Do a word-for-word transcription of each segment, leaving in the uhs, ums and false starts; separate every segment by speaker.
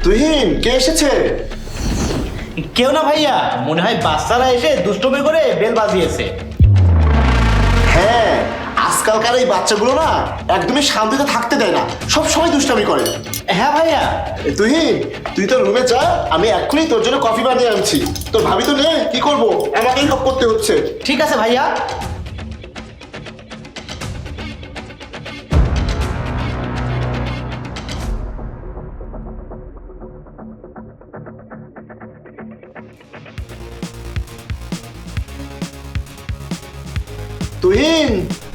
Speaker 1: তুহিন, কে এসেছে?
Speaker 2: কেউ না ভাইয়া, মনে হয় বাচ্চারা এসে দুষ্টুমি করে বেল বাজিয়েছে।
Speaker 1: হ্যাঁ, আজকালকার এই বাচ্চাগুলো না একদমই শান্তিতে থাকতে দেয় না, সব সময় দুষ্টামি করে।
Speaker 2: হ্যাঁ ভাইয়া।
Speaker 1: এ, তুহিন, তুই তো রুমে যা, আমি এক্ষুনি তোর জন্য কফি বানিয়ে আনছি। তোর ভাবি তো নেই, কি করবো, আমাকেই সব করতে হচ্ছে।
Speaker 2: ঠিক আছে ভাইয়া।
Speaker 1: তুহিন,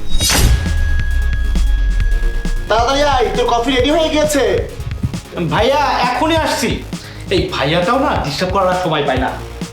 Speaker 1: তাড়াতাড়ি আয়, তোর কফি রেডি হয়ে গেছে।
Speaker 2: ভাইয়া এখনই আসছি। এই ভাইয়াটাও না ডিস্টার্ব করার সময় পায় না।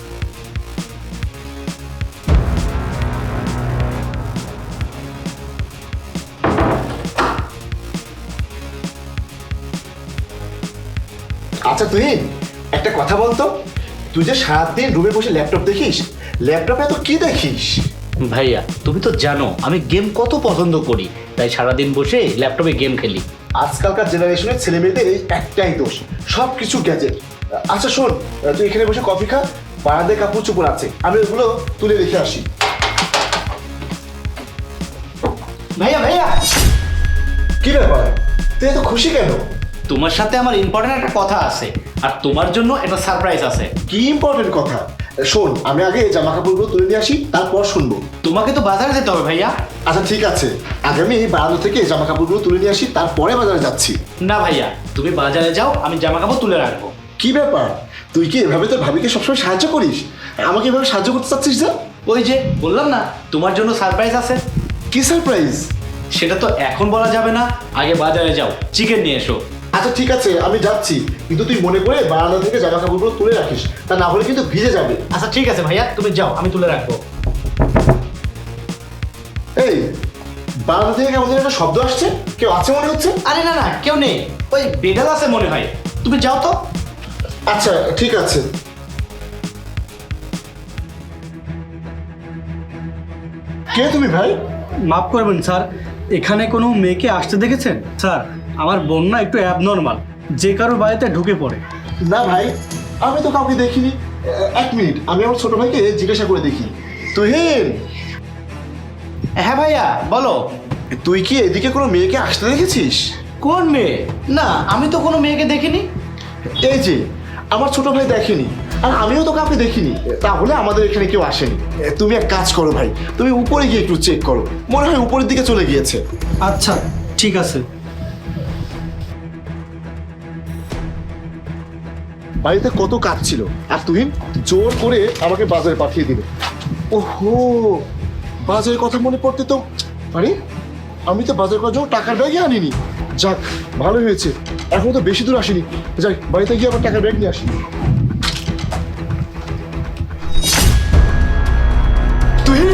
Speaker 1: আচ্ছা তুহিন, একটা কথা বলতো, তুই যে সারাদিন রুমে বসে ল্যাপটপ দেখিস, ল্যাপটপে তো কি দেখিস?
Speaker 2: ভাইয়া তুমি তো জানো আমি গেম কত পছন্দ করি, তাই সারাদিন বসে ল্যাপটপে গেম খেলি।
Speaker 1: আজকালকার জেনারেশনের ছেলে মেয়েদের এই একটাই দোষ, সব কিছু গ্যাজেট। আচ্ছা শোন, তুই এখানে বসে কফি খা, বারান্দায় কাপড় চোপড় আছে, আমি ওগুলো তুলে রেখে আসি।
Speaker 2: ভাইয়া ভাইয়া,
Speaker 1: কি ব্যাপার, তুই এত খুশি কেন?
Speaker 2: তোমার সাথে আমার ইম্পর্টেন্ট একটা কথা আছে, আর তোমার জন্য একটা সারপ্রাইজ আছে।
Speaker 1: কি ইম্পর্টেন্ট কথা? শোন, আমি আগে জামা কাপড়গুলো তুলে নিয়ে আসি, তারপর শুনবো।
Speaker 2: তোমাকে তো বাজারে যেতে হবে ভাইয়া।
Speaker 1: আচ্ছা ঠিক আছে, আগে আমি বারান্দা থেকে জামা কাপড়গুলো তুলে নিয়ে আসি, তারপরে বাজারে যাচ্ছি।
Speaker 2: না ভাইয়া, তুমি বাজারে যাও, আমি জামা কাপড় তুলে রাখবো।
Speaker 1: কি ব্যাপার, তুই কি এভাবে তোর ভাবিকে সবসময় সাহায্য করিস? আমাকে এভাবে সাহায্য করতে চাচ্ছিস যে?
Speaker 2: ওই যে বললাম না, তোমার জন্য সারপ্রাইজ আছে।
Speaker 1: কি সারপ্রাইজ?
Speaker 2: সেটা তো এখন বলা যাবে না, আগে বাজারে যাও, চিকেন নিয়ে এসো।
Speaker 1: আচ্ছা ঠিক আছে, আমি যাচ্ছি, কিন্তু তুই মনে করে বারান্দা থেকে জামা কাপড়গুলো তুলে রাখিস, তা না হলে কিন্তু ভিজে যাবে।
Speaker 2: আচ্ছা ঠিক আছে ভাইয়া, তুমি যাও, আমি তুলে রাখবো।
Speaker 1: এই, বারান্দা থেকে কেমন যেন একটা শব্দ আসছে, কেউ আছে মনে হচ্ছে।
Speaker 2: আরে না না, কেউ নেই, ওই বেডাল আছে মনে হয়, তুমি যাও তো।
Speaker 1: আচ্ছা ঠিক আছে। কে তুমি ভাই?
Speaker 3: মাফ করবেন স্যার, এখানে কোনো মেয়েকে আসতে দেখেছেন? স্যার, আমার বোন না একটু অ্যাবনর্মাল, যে কারোর বাড়িতে ঢুকে পড়ে।
Speaker 1: না ভাই, আমি তো কাউকে দেখিনি। এক মিনিট, আমি আমার ছোট ভাইকে জিজ্ঞাসা করে দেখি। তুহিন,
Speaker 2: হ্যাঁ ভাইয়া বলো।
Speaker 1: তুই কি এদিকে কোনো মেয়েকে আসতে দেখেছিস?
Speaker 2: কোন মেয়ে? না, আমি তো কোনো মেয়েকে দেখিনি।
Speaker 1: এই যে, আমার ছোট ভাই দেখেনি, আর আমিও তো কাউকে দেখিনি, তাহলে আমাদের এখানে কেউ আসেনি। তুমি এক কাজ করো ভাই, তুমি উপরে গিয়ে একটু চেক করো, মনে হয় উপরের দিকে চলে গিয়েছে।
Speaker 3: আচ্ছা ঠিক আছে।
Speaker 1: বাড়িতে কত কাজ ছিল, আর তুহিন জোর করে আমাকে বাজারে পাঠিয়ে দিল। ওহো, বাজারের কথা মনে পড়তে তো, আরে আমি তো বাজার করার জন্য টাকার ব্যাগই আনিনি। যাক, ভালো হয়েছে, এখন তো বেশি দূর আসিনি। যাই, বাড়িতে গিয়ে আবার টাকার ব্যাগ নিয়ে আসি। তুহিন,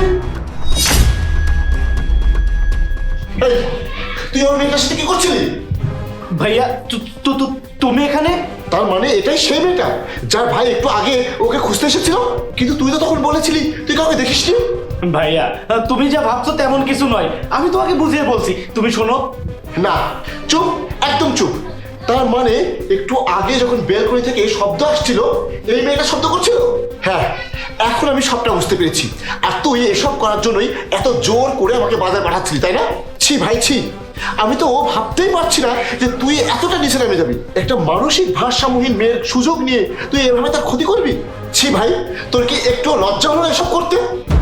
Speaker 1: এই, তুই আমার মেয়েটার সাথে কি করছিলি?
Speaker 2: ভাইয়া তু- তু- তু- তুমি এখানে?
Speaker 1: তার মানে এটাই সেই মেয়েটা যার ভাই একটু আগে ওকে খুঁজতে এসেছিল? কিন্তু তুই তো তখন বলেছিলি তুই কাউকে দেখিসনি।
Speaker 2: ভাইয়া তুমি যা ভাবছো তেমন কিছু নয়, আমি তোমাকে বুঝিয়ে বলছি, তুমি শোনো।
Speaker 1: না, চুপ, একদম চুপ। তার মানে একটু আগে যখন বেলকনি থেকে শব্দ আসছিল, এই মেয়েটা শব্দ করছিল। হ্যাঁ, এখন আমি সবটা বুঝতে পেরেছি। আর তুই এসব করার জন্যই এত জোর করে আমাকে বাজার পাঠাচ্ছিলি, তাই না? ছি ভাই ছি, আমি তো ভাবতেই পারছি না যে তুই এতটা নিচে নেমে যাবি। একটা মানসিক ভারসাম্যহীন মেয়ের সুযোগ নিয়ে তুই এভাবে তার ক্ষতি করবি। ছি ভাই, তোর কি একটু লজ্জা হলো এসব করতে?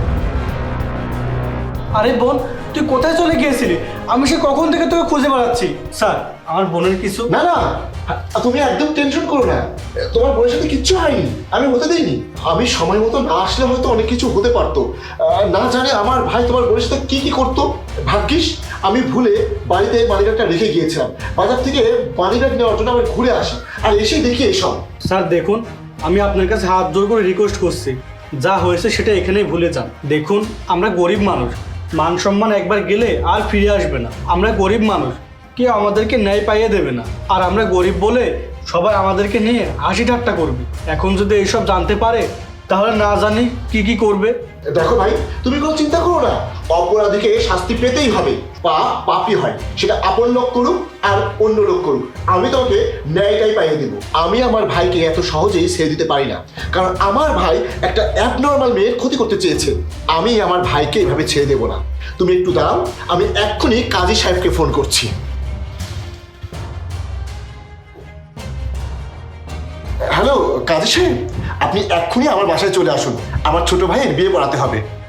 Speaker 3: আরে বোন, তুই কোথায় চলে গিয়েছিলি? আমি সে কখন থেকে তোকে খুঁজে বেড়াচ্ছি। স্যার, আমার বোনের কিছু।
Speaker 1: না না, তুমি একদম টেনশন করো না, তোমার বোনের সাথে কিচ্ছু হয়নি, আমি হতে দিইনি। আমি সময় মতো না আসলে হয়তো অনেক কিছু হতে পারতো। আহ, না জানে আমার ভাই তোমার বোনের সাথে কি কি করতো। ভাগ্যিস আমি ভুলে বাড়িতে মানিব্যাগটা রেখে গিয়েছিলাম, বাজার থেকে মানিব্যাগ নেওয়ার জন্য আমি ঘুরে আসি, আর এসেই দেখি এইসব।
Speaker 3: স্যার দেখুন, আমি আপনার কাছে হাত জোর করে রিকোয়েস্ট করছি, যা হয়েছে সেটা এখানেই ভুলে যান। দেখুন, আমরা গরিব মানুষ, মান সম্মান একবার গেলে আর ফিরে আসবে না। আমরা গরিব মানুষ, কেউ আমাদেরকে ন্যায় পাইয়ে দেবে না, আর আমরা গরিব বলে সবাই আমাদেরকে নিয়ে হাসি ঠাট্টা করবে। এখন যদি এইসব জানতে পারে তাহলে না জানি কি কি করবে।
Speaker 1: দেখো ভাই, তুমি কোনো চিন্তা করো না, অপরাধীকে শাস্তি পেতেই হবে। পাপ পাপই হয়, সেটা আপন লোক করুক আর অন্য লোক করুক, আমি তোমাকে ন্যায়টাই পাইয়ে দেবো। আমি আমার ভাইকে এত সহজেই ছেড়ে দিতে পারি না, কারণ আমার ভাই একটা অ্যাবনর্মাল মেয়ের ক্ষতি করতে চেয়েছে। আমি আমার ভাইকে এভাবে ছেড়ে দেবো না। তুমি একটু দাঁড়াও, আমি এক্ষুনি কাজী সাহেবকে ফোন করছি। হ্যালো কাজী সাহেব, আপনি এক্ষুনি আমার বাসায় চলে আসুন, আমার ছোট ভাইয়ের বিয়ে পড়াতে হবে।